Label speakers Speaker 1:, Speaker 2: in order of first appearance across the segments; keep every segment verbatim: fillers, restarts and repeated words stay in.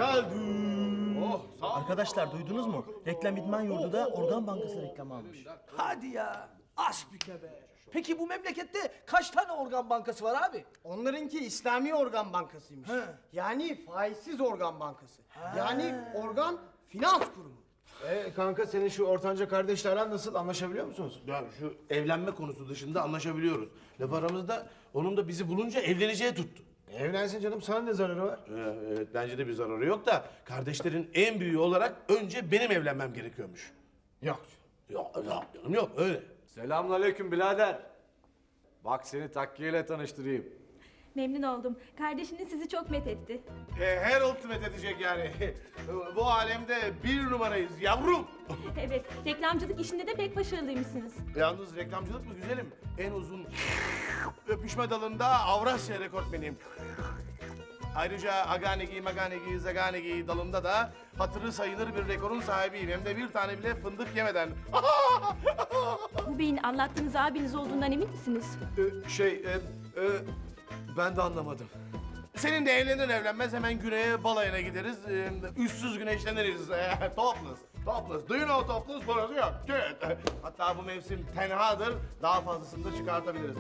Speaker 1: geldim.
Speaker 2: Oh, sağ ol.
Speaker 3: Arkadaşlar duydunuz mu? Reklam İdman Yurdu'da Organ Bankası reklamı almış.
Speaker 4: Hadi ya. Asbike be. Peki bu memlekette kaç tane organ bankası var abi?
Speaker 1: Onlarınki İslami Organ Bankası'ymış.
Speaker 4: He.
Speaker 1: Yani faizsiz organ bankası. Yani organ finans kurumu.
Speaker 2: E, kanka senin şu ortanca kardeşle aran nasıl? Anlaşabiliyor musunuz?
Speaker 5: Ya şu evlenme konusu dışında anlaşabiliyoruz. Laf aramızda onun da bizi bulunca evleneceği tuttu.
Speaker 2: Evlensin canım, sana ne zararı var?
Speaker 5: Ee, evet bence de bir zararı yok da kardeşlerin en büyüğü olarak önce benim evlenmem gerekiyormuş.
Speaker 2: Yok.
Speaker 5: Yok, yok canım yok öyle.
Speaker 6: Selamünaleyküm birader. Bak seni Takkiye'yle tanıştırayım.
Speaker 7: Memnun oldum. Kardeşiniz sizi çok methetti.
Speaker 5: E, her ultimate edecek yani. Bu alemde bir numarayız yavrum.
Speaker 7: Evet, reklamcılık işinde de pek başarılıymışsınız.
Speaker 5: Yalnız reklamcılık mı güzelim? En uzun öpüşme dalında Avrasya rekortmeniyim. Ayrıca Aganegi, Maganegi, Zaganegi dalında da hatırı sayılır bir rekorun sahibiyim. Hem de bir tane bile fındık yemeden.
Speaker 7: Bu beyin anlattığınız abiniz olduğundan emin misiniz?
Speaker 6: Ee, şey, e, e, ben de anlamadım.
Speaker 5: Senin de evlenir evlenmez hemen güneye balayına gideriz. Ee, üstsüz güneşleniriz. Ee, topless, topless. Do you know topless? Burası yok. Good. Hatta bu mevsim tenhadır. Daha fazlasını da çıkartabiliriz.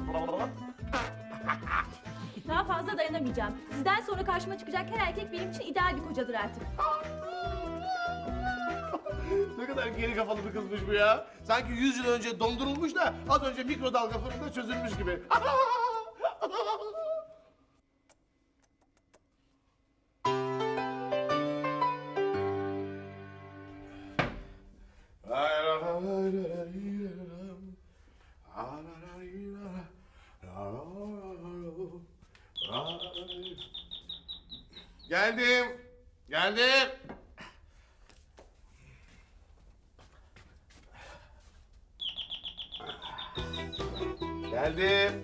Speaker 7: Daha fazla dayanamayacağım. Sizden sonra karşıma çıkacak her erkek benim için ideal bir kocadır artık.
Speaker 5: Ne kadar geri kafalı bir kızmış bu ya. Sanki yüz yıl önce dondurulmuş da az önce mikrodalga fırında çözülmüş gibi. Geldim. Geldim. Geldim.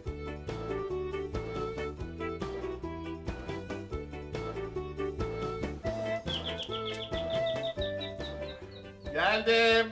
Speaker 5: Geldim.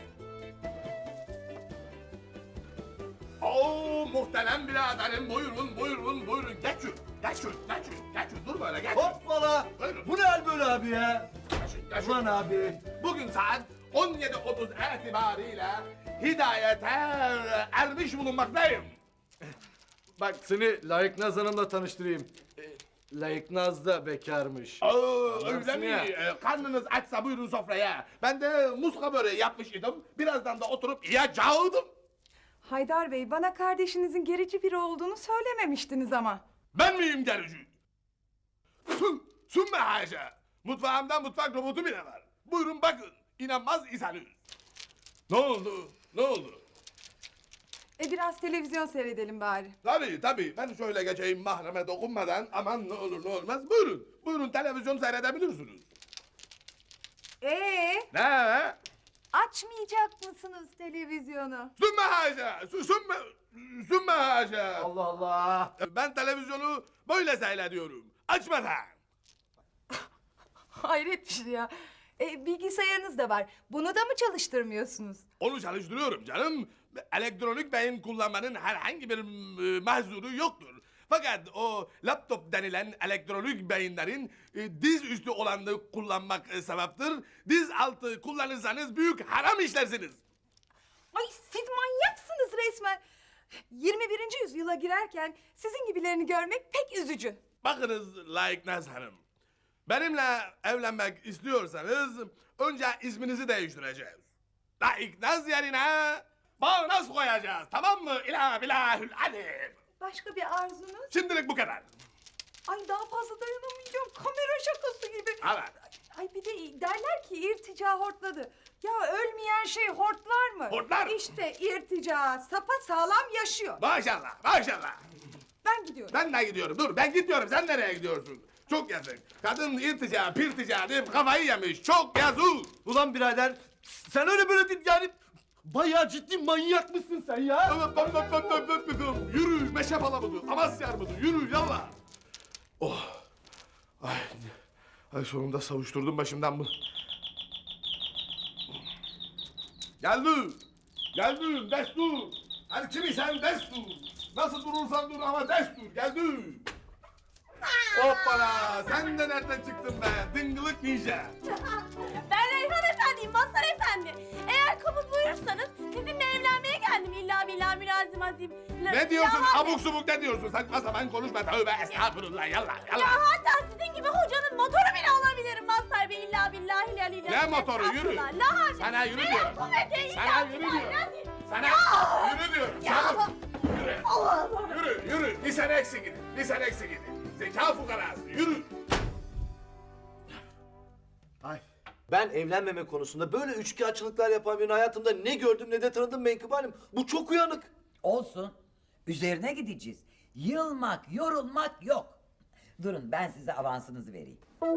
Speaker 5: Oo muhterem biraderim buyurun buyurun buyurun geçin geçin geçin geçin dur böyle geçin.
Speaker 6: Hoppala!
Speaker 5: Buyurun.
Speaker 6: Bu ne hal böyle abi ya?
Speaker 5: Geçin, geçin.
Speaker 6: Ulan abi.
Speaker 5: Bugün saat on yedi otuz itibariyle hidayete ermiş bulunmaktayım.
Speaker 6: Bak seni Layık Naz Hanım'la tanıştırayım. Ee, Layık Naz da bekarmış.
Speaker 5: Oo,
Speaker 6: Anlarsın
Speaker 5: öyle mi?
Speaker 6: ya.
Speaker 5: Ee, Karnınız açsa buyurun sofraya. Ben de muska böreği yapmış idim. Birazdan da oturup yiyeceğim.
Speaker 8: Haydar Bey, bana kardeşinizin gerici biri olduğunu söylememiştiniz ama.
Speaker 5: Ben miyim gerici? Su, sümme haşa. Mutfağımda mutfak robotu bile var. Buyurun bakın. İnanmaz iseniz. Ne oldu? Ne oldu?
Speaker 8: E biraz televizyon seyredelim bari.
Speaker 5: Tabii tabii. Ben şöyle geçeyim mahreme dokunmadan. Aman ne olur ne olmaz. Buyurun. Buyurun televizyon seyredebilirsiniz.
Speaker 8: Ee,
Speaker 5: Ne?
Speaker 8: açmayacak mısınız televizyonu?
Speaker 5: Sümme haşa. Sü- Sümme... Sümme haşa.
Speaker 6: Allah Allah!
Speaker 5: Ben televizyonu böyle seyrediyorum. Açmadan.
Speaker 8: Hayret bir şey ya. E, bilgisayarınız da var. Bunu da mı çalıştırmıyorsunuz?
Speaker 5: Onu çalıştırıyorum canım. Elektronik beyin kullanmanın herhangi bir e, mahzuru yoktur. Fakat o laptop denilen elektronik beyinlerin e, diz üstü olanı kullanmak e, sevaptır. Diz altı kullanırsanız büyük haram işlersiniz.
Speaker 8: Ay siz manyaksınız resmen. yirmi birinci yüzyıla girerken sizin gibilerini görmek pek üzücü.
Speaker 5: Bakınız Layık Naz Hanım. Benimle evlenmek istiyorsanız önce isminizi değiştireceğiz. Layık Naz yerine Bağnaz koyacağız. Tamam mı? İlah bilahül alim.
Speaker 8: Başka bir arzunuz?
Speaker 5: Şimdilik bu kadar.
Speaker 8: Ay daha fazla dayanamayacağım. Kamera şakası gibi.
Speaker 5: Evet.
Speaker 8: Ay bir de derler ki irtica hortladı. Ya ölmeyen şey hortlar mı?
Speaker 5: Hortlar.
Speaker 8: İşte irtica sapa sağlam yaşıyor.
Speaker 5: Maşallah, maşallah.
Speaker 8: Ben gidiyorum.
Speaker 5: Ben de gidiyorum. Dur, ben gitmiyorum. Sen nereye gidiyorsun? Çok yazık. Kadın irtica, pirtica deyip kafayı yemiş. Çok yazık.
Speaker 6: Ulan birader, sen öyle böyle değil yani... Bayağı ciddi manyak mısın sen ya?
Speaker 5: Öp, öp, öp, öp, öp, öp, öp. Yürü, meşe palamıdır, Amasya armudu. Yürü, yallah. Oh. Ay, ay sonunda savuşturdum başımdan bu. Geldim. Geldim, destur. Hadi kimi sen destur. Nasıl durursan dur ama destur. Geldim. Hoppala. ya sen de nereden çıktın be? Dıngılık ninja.
Speaker 7: Ben Reyhan Efendi'yim, Mazhar Efendi. Eğer kabul buyurursanız sizinle evlenmeye geldim illa billah mürazim azim.
Speaker 5: Ne diyorsun? Abuk subuk ne diyorsun? Saçma sapan konuşma. Tövbe estağfurullah. Yallah
Speaker 7: Ya
Speaker 5: yallah.
Speaker 7: hatta sizin gibi hocanın motoru bile olabilirim Mazhar Bey illa billahi la ilahe.
Speaker 5: Ne motoru? Yürü.
Speaker 7: La haşa.
Speaker 5: Sana yürü
Speaker 7: Ne
Speaker 5: diyorum.
Speaker 7: kuvvete illa
Speaker 5: Sana yürü
Speaker 7: billah
Speaker 5: diyorum.
Speaker 7: lazim.
Speaker 5: Sana yürü diyorum. Sana. Yürü. Yürü yürü. Bir sene eksik gidin. Bir sene eksik gidin. Zeka fukarası. Yürü.
Speaker 2: Ay.
Speaker 4: Ben evlenmeme konusunda böyle üçkağıtçılıklar yapan birini hayatımda ne gördüm ne de tanıdım Menkıbe Hanım. Bu çok uyanık.
Speaker 9: Olsun. Üzerine gideceğiz. Yılmak, yorulmak yok. Durun ben size avansınızı vereyim.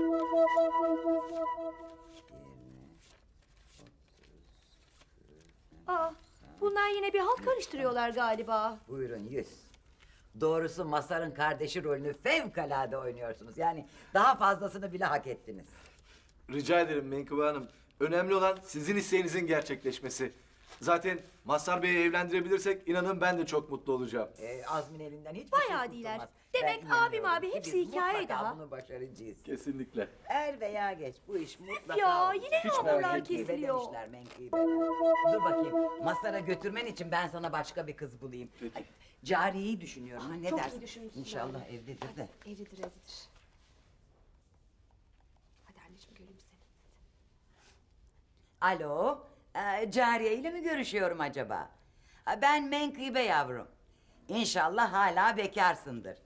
Speaker 7: Aa, bunlar yine bir halt karıştırıyorlar galiba.
Speaker 9: Buyurun yüz. Doğrusu Mazhar'ın kardeşi rolünü fevkalade oynuyorsunuz. Yani daha fazlasını bile hak ettiniz.
Speaker 6: Rica ederim Menkıbe Hanım. Önemli olan sizin isteğinizin gerçekleşmesi. Zaten Mazhar Bey'i evlendirebilirsek inanın ben de çok mutlu olacağım.
Speaker 9: Ee, Azmin elinden hiçbir
Speaker 7: Bayağı
Speaker 9: şey
Speaker 7: değiller.
Speaker 9: kurtulmaz.
Speaker 7: Demek
Speaker 9: Ben
Speaker 7: abim
Speaker 9: inanıyorum
Speaker 7: abi
Speaker 9: ki
Speaker 7: hepsi
Speaker 9: biz
Speaker 7: hikaye
Speaker 9: mutlaka
Speaker 7: daha.
Speaker 9: bunu başaracağız.
Speaker 6: Kesinlikle.
Speaker 9: Er veya geç bu iş mutlaka
Speaker 7: Ya,
Speaker 9: olur.
Speaker 7: yine mi
Speaker 9: Hiç
Speaker 7: hamurlar
Speaker 9: merak etme,
Speaker 7: kesiliyor?
Speaker 9: demişler Menkıbe. Dur bakayım Mazhar'a götürmen için ben sana başka bir kız bulayım. Ay, Cariye'yi düşünüyorum. ha, ne
Speaker 7: çok iyi
Speaker 9: dersin?
Speaker 7: düşünmüşsün
Speaker 9: İnşallah
Speaker 7: abi.
Speaker 9: evdedir de.
Speaker 7: Evlidir evlidir. Hadi anneciğim göreyim seni.
Speaker 9: Alo, e, Cariye ile mi görüşüyorum acaba? Ha, ben Menkıbe yavrum. İnşallah hala bekarsındır.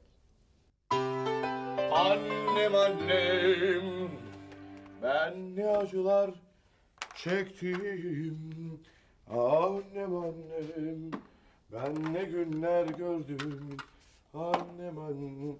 Speaker 2: Annem annem, ben ne acılar çektim. Annem annem, ben ne günler gördüm. Annem annem,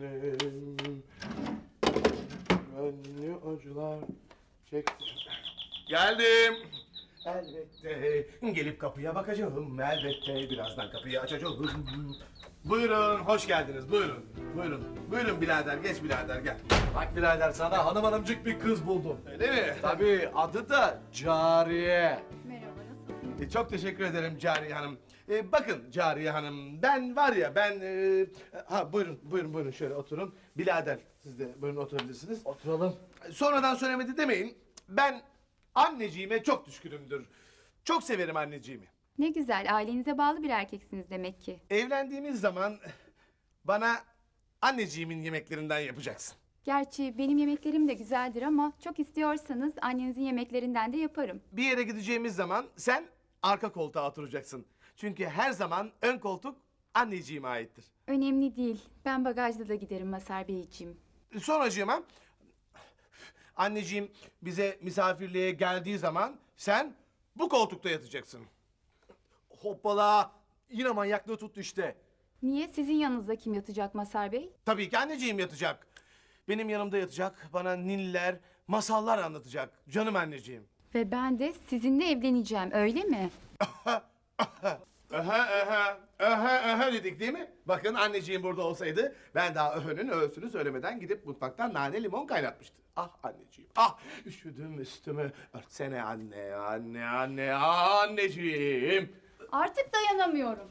Speaker 2: ben ne acılar çektim.
Speaker 5: Geldim.
Speaker 2: Elbette gelip kapıya bakacağım. Elbette birazdan kapıyı açacağım.
Speaker 5: Buyurun, hoş geldiniz. Buyurun, buyurun. Buyurun birader, geç birader gel.
Speaker 6: Bak birader sana hanım hanımcık bir kız buldum.
Speaker 5: Öyle mi?
Speaker 6: Tabii adı da Cariye.
Speaker 5: E, çok teşekkür ederim Cariye Hanım. E, bakın Cariye Hanım, ben var ya ben... e, ha buyurun, buyurun, buyurun şöyle oturun. Birader, siz de buyurun oturabilirsiniz.
Speaker 6: Oturalım.
Speaker 5: Sonradan söylemedi demeyin. Ben anneciğime çok düşkünümdür. Çok severim anneciğimi.
Speaker 10: Ne güzel, ailenize bağlı bir erkeksiniz demek ki.
Speaker 5: Evlendiğimiz zaman bana anneciğimin yemeklerinden yapacaksın.
Speaker 10: Gerçi benim yemeklerim de güzeldir ama çok istiyorsanız annenizin yemeklerinden de yaparım.
Speaker 5: Bir yere gideceğimiz zaman sen arka koltuğa oturacaksın. Çünkü her zaman ön koltuk anneciğime aittir.
Speaker 10: Önemli değil, ben bagajda da giderim Mazhar Beyciğim.
Speaker 5: Sonracığıma anneciğim bize misafirliğe geldiği zaman sen bu koltukta yatacaksın.
Speaker 6: Hoppala. Yine manyaklığı tuttu işte.
Speaker 10: Niye? Sizin yanınızda kim yatacak Mazhar Bey?
Speaker 5: Tabii ki anneciğim yatacak. Benim yanımda yatacak, bana ninniler, masallar anlatacak. Canım anneciğim.
Speaker 10: Ve ben de sizinle evleneceğim, öyle mi?
Speaker 5: Aha, aha, aha, aha dedik değil mi? Bakın anneciğim burada olsaydı ben daha öhünün öğsünü söylemeden gidip mutfaktan nane limon kaynatmıştı. Ah anneciğim, ah üşüdüm üstümü. Örtsene anne, anne, anne, anneciğim.
Speaker 10: Artık dayanamıyorum.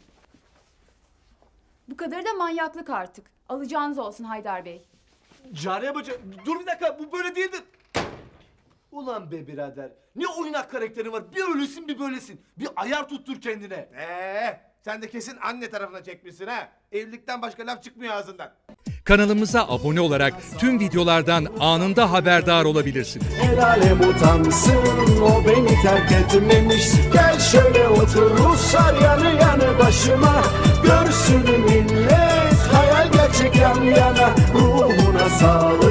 Speaker 10: Bu kadar da manyaklık artık. Alacağınız olsun Haydar Bey.
Speaker 6: Cariye bacı dur bir dakika bu böyle değildir. Ulan be birader ne oynak karakterin var bir öylesin bir böylesin. Bir ayar tuttur kendine.
Speaker 5: Ee, sen de kesin anne tarafına çekmişsin ha. Evlilikten başka laf çıkmıyor ağzından.
Speaker 11: Kanalımıza abone olarak tüm videolardan anında haberdar olabilirsiniz.
Speaker 12: El alem utansın o beni terk etmemiş. Gel şöyle otur Ruslar yanı yanı başıma. Görsün millet hayal gerçek yan yana. Ruhuna sağlık.